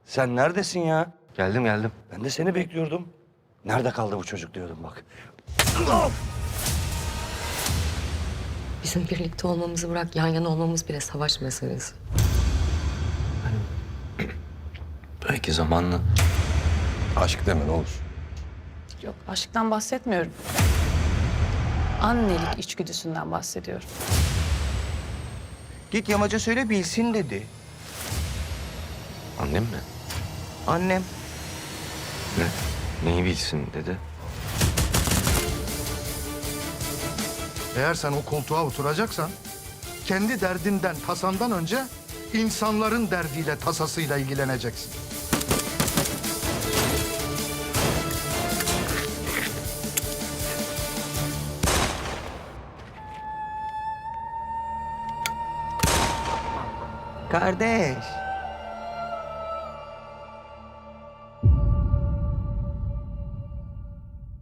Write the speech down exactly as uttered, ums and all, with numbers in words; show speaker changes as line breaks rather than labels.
Sen neredesin ya?
Geldim geldim.
Ben de seni bekliyordum. Nerede kaldı bu çocuk diyordum bak.
Bizim birlikte olmamızı bırak, yan yana olmamız bile savaş meselesi.
Belki zamanla.
Aşk deme ne olur.
Yok, aşktan bahsetmiyorum. Annelik içgüdüsünden bahsediyorum.
Git yamaca söyle bilsin dedi.
Annem mi?
Annem.
Ne? Neyi bilsin dedi.
Eğer sen o koltuğa oturacaksan kendi derdinden, tasandan önce insanların derdiyle, tasasıyla ilgileneceksin.
Kardeş.